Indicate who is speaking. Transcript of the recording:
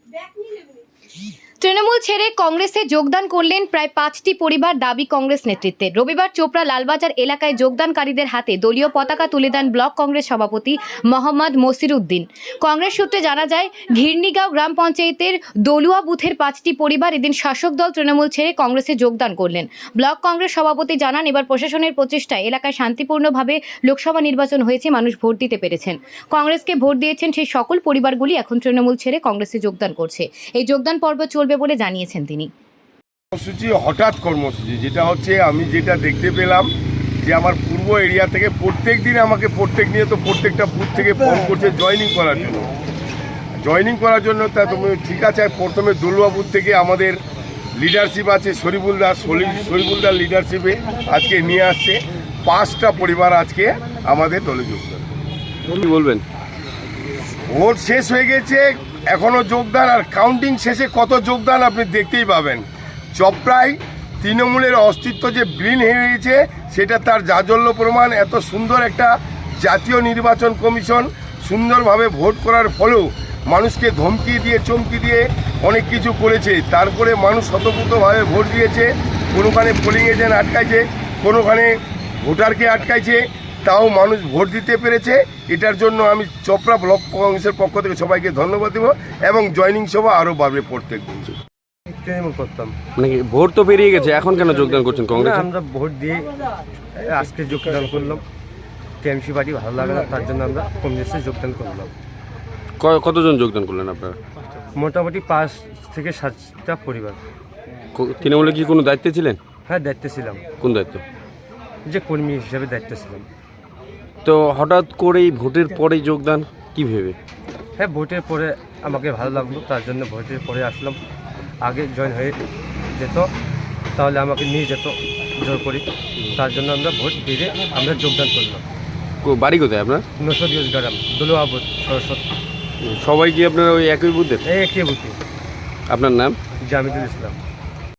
Speaker 1: তৃণমূল ছেড়ে কংগ্রেসে যোগদান করলেন প্রায় 5টি পরিবার, দাবি কংগ্রেস নেতৃত্বের। রবিবার চোপড়া লালবাজার এলাকায় যোগদানকারীদের হাতে দলীয় পতাকা তুলে দেন ব্লক কংগ্রেস সভাপতি মোহাম্মদ মসির উদ্দিন। কংগ্রেস সূত্রে জানা যায়, ঘিরনিগাঁও গ্রাম পঞ্চায়েতের দলুয়া বুথের 5টি পরিবার এদিন শাসক দল তৃণমূল ছেড়ে কংগ্রেসে যোগদান করলেন। ব্লক কংগ্রেস সভাপতি জানান, এবার প্রশাসনের প্রচেষ্টায় এলাকায় শান্তিপূর্ণভাবে লোকসভা নির্বাচন হয়েছে, মানুষ ভোট দিতে পেরেছেন। কংগ্রেসকে ভোট দিয়েছেন সেই সকল পরিবারগুলি এখন তৃণমূল ছেড়ে কংগ্রেসে যোগদান করছে। এই যোগদান পর্ব চলবে বলে জানিয়েছেন তিনি।
Speaker 2: কর্মসূচি হঠাৎ কর্মসূচি, যেটা হচ্ছে আমি যেটা দেখতে পেলাম যে আমার পূর্ব এরিয়া থেকে প্রত্যেক দিন আমাকে প্রত্যেকটা বুথ থেকে ফোন করছে জয়েনিং করার জন্য। তা তুমি ঠিক আছে, প্রথমে দলুয়া বুথ থেকে আমাদের লিডারশিপ আছে শরীফুলদার লিডারশিপে আজকে নিয়ে আসছে 5টা পরিবার আজকে আমাদের দলে যোগদান।
Speaker 3: কি বলবেন?
Speaker 2: ভোট শেষ হয়ে গেছে, এখনও যোগদান, আর কাউন্টিং শেষে কত যোগদান আপনি দেখতেই পাবেন। চপড়ায় তৃণমূলের অস্তিত্ব যে বিলীন হয়ে গেছে সেটা তার জাজল্য প্রমাণ। এত সুন্দর একটা জাতীয় নির্বাচন কমিশন সুন্দরভাবে ভোট করার ফলেও মানুষকে ধমকি দিয়ে চমকি দিয়ে অনেক কিছু করেছে, তারপরে মানুষ স্বতঃস্ফূর্তভাবে ভোট দিয়েছে। কোনোখানে পোলিং এজেন্ট আটকাইছে, কোনোখানে ভোটারকে আটকাইছে, তাও মানুষ ভোট দিতে পেরেছে। এটার জন্য আমি চপড়া ব্লক কংগ্রেসের পক্ষ থেকে সবাইকে ধন্যবাদ দেব, এবং জয়েনিং সভা আরও বাড়বে প্রত্যেক দিন।
Speaker 4: তৃণমূল করতাম,
Speaker 3: মানে ভোট তো পেরিয়ে গেছে, এখন কেন যোগদান করছেন কংগ্রেসে?
Speaker 4: আমরা ভোট দিয়ে আজকে যোগদান করলাম। টিএমসি পার্টি ভালো লাগে না, তার জন্য আমরা কংগ্রেসে যোগদান করলাম।
Speaker 3: কতজন যোগদান করলেন আপনারা?
Speaker 4: মোটামুটি 5 থেকে 7টা পরিবার।
Speaker 3: তৃণমূলে কি কোনো দায়িত্বে ছিলেন?
Speaker 4: হ্যাঁ, দায়িত্বে ছিলাম,
Speaker 3: কোন দায়িত্ব?
Speaker 4: যে কর্মী হিসাবে দায়িত্বে ছিলাম।
Speaker 3: তো হঠাৎ করেই ভোটের পরে যোগদান কি ভেবে?
Speaker 4: হ্যাঁ, ভোটের পরে আমাকে ভালো লাগলো, তার জন্য ভোটের পরে আসলাম। আগে জয়েন হয়ে যেত তাহলে আমাকে নিয়ে যেত জোর করি, তার জন্য আমরা ভোট দিয়ে আমরা যোগদান করলাম।
Speaker 3: বাড়ি কোথায় আপনার?
Speaker 4: 910 গ্রাম, দলুয়া বুথ, সরস্বতী।
Speaker 3: সবাই কি আপনার ওই একই বুথের?
Speaker 4: একই বুথে।
Speaker 3: আপনার নাম?
Speaker 4: জামিদুল ইসলাম।